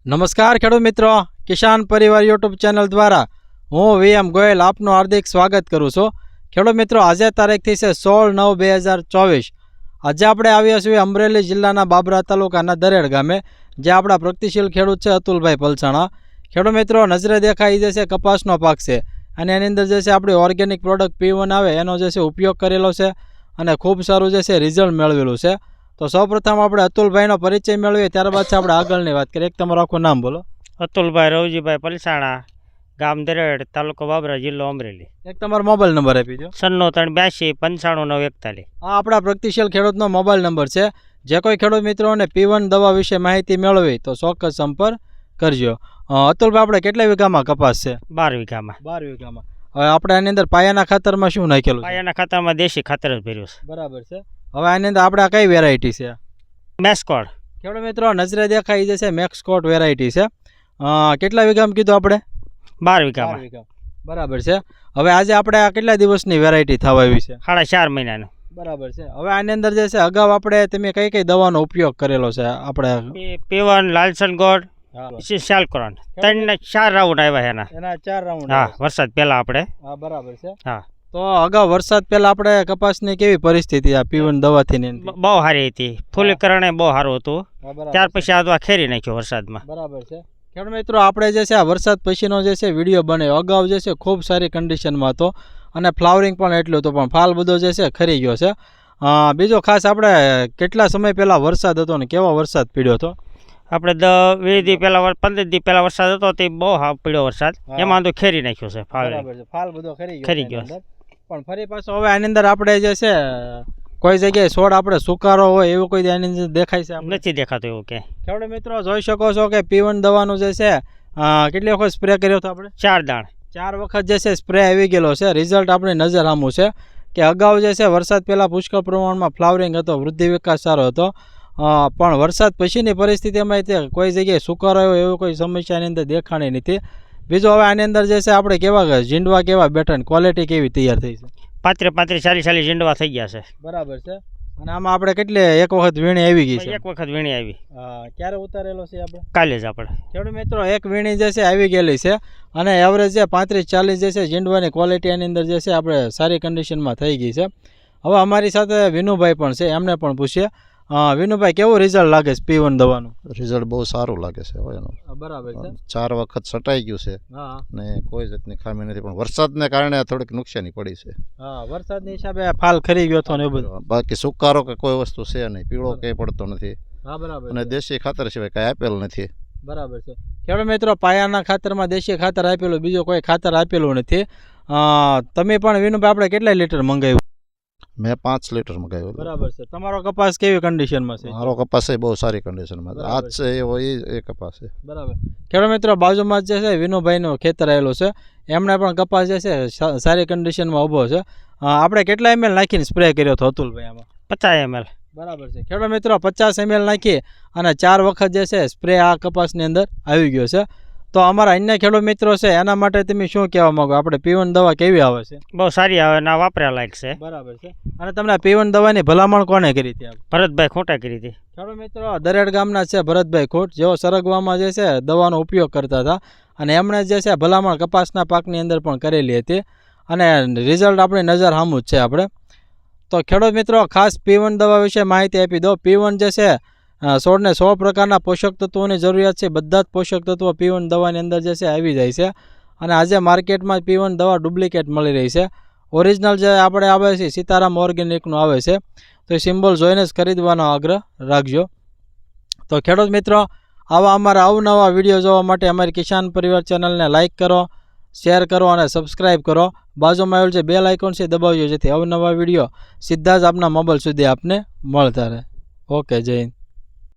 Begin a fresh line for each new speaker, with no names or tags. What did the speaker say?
નમસ્કાર ખેડૂત મિત્રો, કિસાન પરિવાર યુટ્યુબ ચેનલ દ્વારા હું VM ગોયલ આપનું હાર્દિક સ્વાગત કરું છું। ખેડૂત મિત્રો, આજે તારીખથી છે 16/9/2024। આજે આપણે આવ્યા છીએ અમરેલી જિલ્લાના બાબરા તાલુકાના દરેડ ગામે, જે આપણા પ્રગતિશીલ ખેડૂત છે અતુલભાઈ પલસાણા। ખેડૂત મિત્રો, નજરે દેખાઈ જે છે કપાસનો પાક છે અને એની અંદર જે છે આપણી ઓર્ગેનિક પ્રોડક્ટ P1 આવે એનો જે છે ઉપયોગ કરેલો છે અને ખૂબ સારું જે છે રિઝલ્ટ મેળવેલું છે। તો સૌપ્રથમ આપણે અતુલભાઈનો પરિચય મેળવીએ, ત્યારબાદ છે આપણે આગળની વાત કરીએ। એક તમારું આખું નામ બોલો।
અતુલભાઈ રવજીભાઈ પલસાણા, ગામ દરેડ, તાલુકો બાબરા, જિલ્લો અમરેલી।
એક તમારો મોબાઈલ નંબર આપી દો।
9382 95 941।
આ આપણા પ્રગતિશીલ ખેડૂતનો મોબાઈલ નંબર છે। જે કોઈ ખેડૂત મિત્રોને P1 દવા વિશે માહિતી મેળવી તો ચોક્કસ સંપર્ક કરજો। અતુલભાઈ, આપણે કેટલા વીઘામાં કપાસ છે?
12 વીઘામાં।
12 વીઘામાં। હવે આપણે આની અંદર પાયાના ખાતરમાં શું નાખેલું છે?
પાયાના ખાતરમાં દેશી ખાતર જ ભર્યું છે।
બરાબર છે। હવે આની અંદર આપણે કઈ વેરાયટી છે?
મેસ્કોડ।
ખેડૂત મિત્રો, નજરે દેખાઈ જે છે મેક્સકોટ વેરાયટી છે। કેટલા વીઘામાં કીધું આપણે?
12 વીઘામાં।
બરાબર છે। હવે આજે આપણે આ કેટલા દિવસની વેરાયટી થવા આવી છે?
4.5 મહિનાનું।
બરાબર છે। હવે આની અંદર જે છે અગાઉ આપણે તમે કઈ કઈ દવાનો ઉપયોગ કરેલો છે? આપણે
P1, લાલસન ગોળ, શાલક્રોન, 3-4 રાઉન્ડ આવ્યા એના
4 રાઉન્ડ।
હા, વરસાદ પહેલા આપણે।
હા, બરાબર છે।
હા,
તો અગાઉ વરસાદ પહેલા આપણે કપાસની કેવી પરિસ્થિતિ આ P1 દવાથી ની?
બહુ સારી હતી, ફૂલીકરણ બહુ સારું હતું। ત્યાર પછી આ ખેરી નાખ્યો વરસાદમાં।
બરાબર છે। ખેડૂત મિત્રો, આપણે જે છે આ વરસાદ પછીનો જે છે વિડીયો બનાવ્યો, અગાઉ જે છે ખૂબ સારી કન્ડિશનમાં હતો અને ફ્લાવરિંગ પણ એટલું હતું, પણ ફાલ બધો જે છે ખરી ગયો છે। બીજો ખાસ આપણે કેટલા સમય પહેલાં વરસાદ હતો ને કેવો વરસાદ પડ્યો હતો?
આપણે 20 દી પહેલા 15 દી પહેલા વરસાદ હતો તે બહુ પડ્યો વરસાદ, એમાં તો ખેરી નાખ્યો છે ફાલ।
બરાબર છે। ફાલ બધો
ખરી ગયો
પણ ફરી પાછો હવે આની અંદર આપણે જે છે કોઈ જગ્યાએ છોડ આપણે સુકારો હોય એવું કોઈ આની અંદર દેખાય છે?
નથી દેખાતું એવું કે।
ખેડૂત મિત્રો, જોઈ શકો છો કે P1 દવાનું જે છે કેટલી વખત સ્પ્રે કર્યો હતો આપણે?
4 દાણ।
4 વખત જે છે સ્પ્રે આવી ગયેલો છે। રિઝલ્ટ આપણે નજર સામું છે કે અગાઉ જે છે વરસાદ પહેલાં પુષ્કળ પ્રમાણમાં ફ્લાવરિંગ હતો, વૃદ્ધિ વિકાસ સારો હતો, પણ વરસાદ પછીની પરિસ્થિતિમાં તે કોઈ જગ્યાએ સુકારો આવ્યો એવો કોઈ સમસ્યાની અંદર દેખાણી નથી। બીજો, હવે આની અંદર જે છે આપણે કેવા ઝીંડવા કેવા બેઠા, ક્વોલિટી કેવી તૈયાર થઈ છે? 35
40 ઝીંડવા થઈ ગયા છે।
બરાબર છે। અને આમાં આપણે કેટલી એક વખત વીણી આવી ગઈ છે?
એક વખત વીણી આવી।
ક્યારે ઉતારેલો છે આપણે?
કાલે જ આપણે।
ખેડૂત મિત્રો, એક વીણી જે છે આવી ગયેલી છે અને એવરેજ જે 35-40 જે છે ઝીંડવાની ક્વોલિટી એની અંદર જે છે આપણે સારી કન્ડિશનમાં થઈ ગઈ છે। હવે અમારી સાથે વિનુભાઈ પણ છે, એમને પણ પૂછીએ। વિનુભાઈ, કેવું રિઝલ્ટ લાગે છે P1 દવાનું?
રિઝલ્ટ બહુ સારું લાગે છે એનું।
બરાબર છે।
4 વખત છટાઈ ગયું છે ને કોઈ જાતની ખામી નથી, પણ વરસાદને કારણે થોડીક નુકસાની પડી છે।
હા, વરસાદની હિસાબે ફાલ ખરી ગયો હતો ને એવું બધું।
બાકી સુકારો કે કોઈ વસ્તુ છે નહીં, પીળો કંઈ પડતો નથી।
હા, બરાબર।
અને દેશી ખાતર સિવાય કાંઈ આપેલ નથી।
બરાબર છે। ખેડૂત મિત્રો, પાયાના ખાતરમાં દેશી ખાતર આપેલું, બીજું કોઈ ખાતર આપેલું નથી। તમે પણ વિનુભાઈ આપણે કેટલા લીટર મંગાવ્યું?
મેં 5 લીટર મંગાવ્યું।
બરાબર છે। તમારો કપાસ કેવી કન્ડિશનમાં છે?
મારો કપાસ એ બહુ સારી કન્ડિશનમાં છે, આજ છે એવો એ કપાસ છે।
બરાબર। ખેડૂત મિત્રો, બાજુમાં જે છે વિનુભાઈનું ખેતર આવેલું છે, એમણે પણ કપાસ જે છે સારી કન્ડિશનમાં ઊભો છે। આપણે કેટલા ml નાખીને સ્પ્રે કર્યો હતો અતુલભાઈ આમાં?
50 ml।
બરાબર છે। ખેડૂત મિત્રો, 50 ml નાખી અને 4 વખત જે છે સ્પ્રે આ કપાસની અંદર આવી ગયો છે। તો અમારા અન્ય ખેડૂત મિત્રો છે એના માટે તમે શું કહેવા માંગો? આપણે P1 દવા કેવી આવે છે?
બહુ સારી આવે, ના વાપર્યા લાયક છે।
બરાબર છે। અને તમને P1 દવાની ભલામણ કોને કરી હતી?
ભરતભાઈ ખોટા કરી હતી।
ખેડૂત મિત્રો, દરેડ ગામના છે ભરતભાઈ ખોટ, જેઓ સરગવામાં જે છે દવાનો ઉપયોગ કરતા હતા અને એમણે જે છે ભલામણ કપાસના પાકની અંદર પણ કરેલી હતી અને રિઝલ્ટ આપણી નજર સામું જ છે આપણે। તો ખેડૂત મિત્રો, ખાસ P1 દવા વિશે માહિતી આપી દો। P1 જે છે છોડને 100 પ્રકારના પોષક તત્વોની જરૂરિયાત છે, બધા જ પોષક તત્વો P1 દવાની અંદર જે છે આવી જાય છે અને આજે માર્કેટમાં P1 દવા ડુપ્લિકેટ મળી રહી છે। ઓરિજિનલ જે આપણે આવે છે સીતારામ ઓર્ગેનિકનું આવે છે, તો એ સિમ્બોલ જોઈને જ ખરીદવાનો આગ્રહ રાખજો। તો ખેડૂત મિત્રો, આવા અમારા અવનવા વિડીયો જોવા માટે અમારી કિસાન પરિવાર ચેનલને લાઇક કરો, શેર કરો અને સબસ્ક્રાઈબ કરો। બાજુમાં આવેલું જે બેલ આઇકોન છે દબાવજો, જેથી અવનવા વિડીયો સીધા જ આપના મોબાઈલ સુધી આપને મળતા રહે। ઓકે, જય હિન્દ।